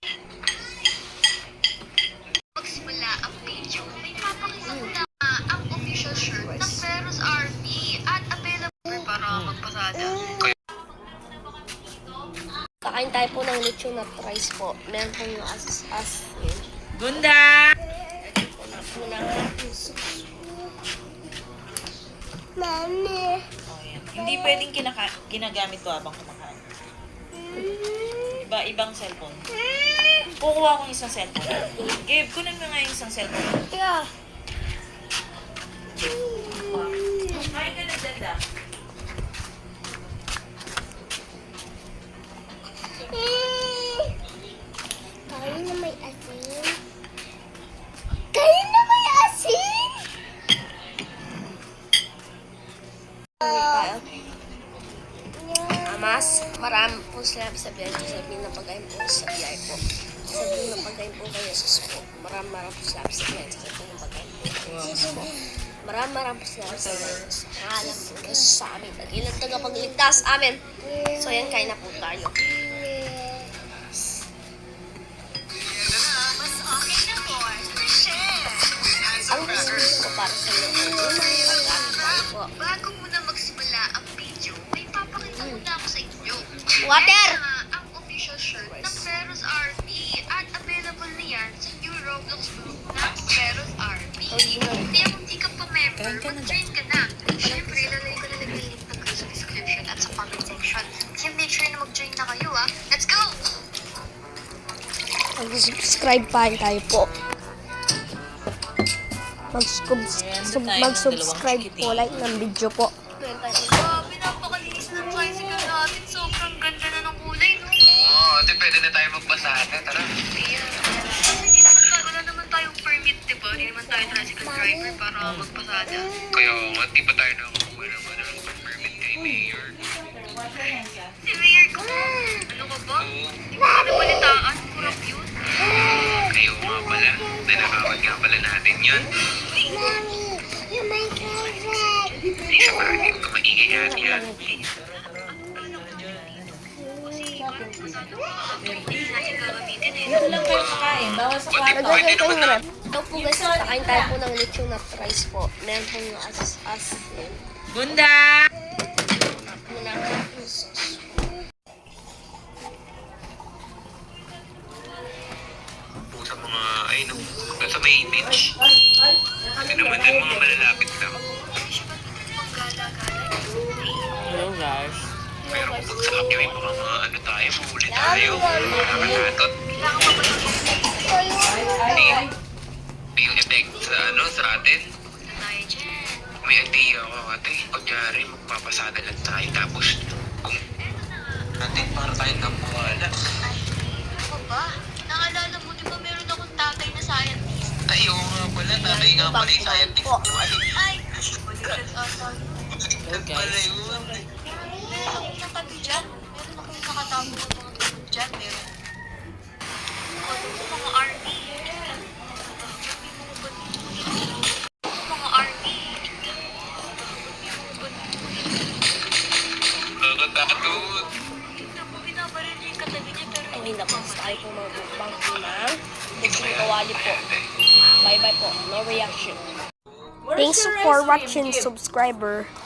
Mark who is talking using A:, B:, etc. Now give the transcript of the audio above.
A: Magsimula ang video, may papakita na ang official shirt ng Feroz Army at available para magpasada.
B: Kakain tayo po ng lechon na rice po. Meron po yung as-asin.
C: Gunda!
B: Ito na po ng ating sauce. Mami.
C: Hindi pwedeng ginagamit to habang kumakain. Ibang cellphone. Kukuha ko ng isang cellphone. Gabe, kunin mo nga yung isang cellphone.
B: Yeah.
C: Kain ka na, Dada.
B: Kain na may asin. Kain na may asin! Mas marami po sila sabihin na pagkain po sa biyay po. Sabihin na pagkain po kayo sa po. Marami po sila sabihin na pagkain po kayo sa po. Marami po sila sabihin sa alam po kayo sa amin. Nag-ilang tagapagligtas amin. So yan, kain na po tayo. Ang gusto ko para sa mga pagkain po.
A: Bago muna magsimula ang video, may papakita muna ako sa inyo.
B: Water!
A: Ang official shirt ng Feroz Army at available na yan sa new Roblox group ng Feroz Army. Kaya kung di ka pa member, mag-join ka na. Siyempre, ilalagay ko na nag-link ng sa description at sa comment section. Kaya make sure na mag-join na kayo ha. Let's go!
B: Mag-subscribe pa tayo po. Mag-subscribe po, like ng video po.
A: Grabe, napakalinis ng tricycle natin. Sobrang ganda na ng kulay, no?
D: Oo, ate, pwede na tayo magbasa na. Tara.
A: Ayan. Kasi wala naman tayong permit, diba? Hindi naman tayo tricycle driver para magpasada.
D: Kaya nga, di pa tayo nakakuha ng permit kay Mayor.
A: Si Mayor ko, ano ka ba? Hindi mo ka nabalitaan, kurap yun.
D: Kayo nga pala. Nanakawat nga pala natin yun.
B: Mommy, you're my favorite.
D: Di sa bagay ka maingay yan yan.
A: Kasi parang masado ka hindi natin gagamitin eh.
C: Ito lang kayo kakain. Bawal sa kwarto.
D: Pwede naman na.
B: Ito po guys, kakain tayo po ng lechon na rice po. Meron po yung asin.
C: Gunda!
B: Muna ang ating sauce.
D: Sa mga, ay no, sa may beach. Kasi naman din mga malalapit lang.
C: Hello guys.
D: Pero kung pagsakap niyo yung mga ano tayo, mahuli tayo. Nakakatot. Hindi yung effect sa ano, sa atin.
A: Na tayo dyan.
D: May idea ako, ate. Kunyari, magpapasada lang tayo. Tapos, kung natin para tayo nabuhala.
A: Ay, ano ba? Naalala mo, di ba meron akong tatay na scientist?
D: Ay, oo nga pala. Tatay nga pala yung scientist.
A: Ay! Baliktad ata.
D: Baliktad pala yun.
A: Meron akong natabi dyan. Meron akong nakatago ng mga tulog dyan. Meron. Ano po mga army? Mga army.
D: Nakakatakot.
A: Tignan mo, binabaril niya yung katabi niya pero
B: Okay na po, tayo po magbukbang po ng lechon kawali po. Bye-bye po, no reaction. Thanks for watching, subscriber.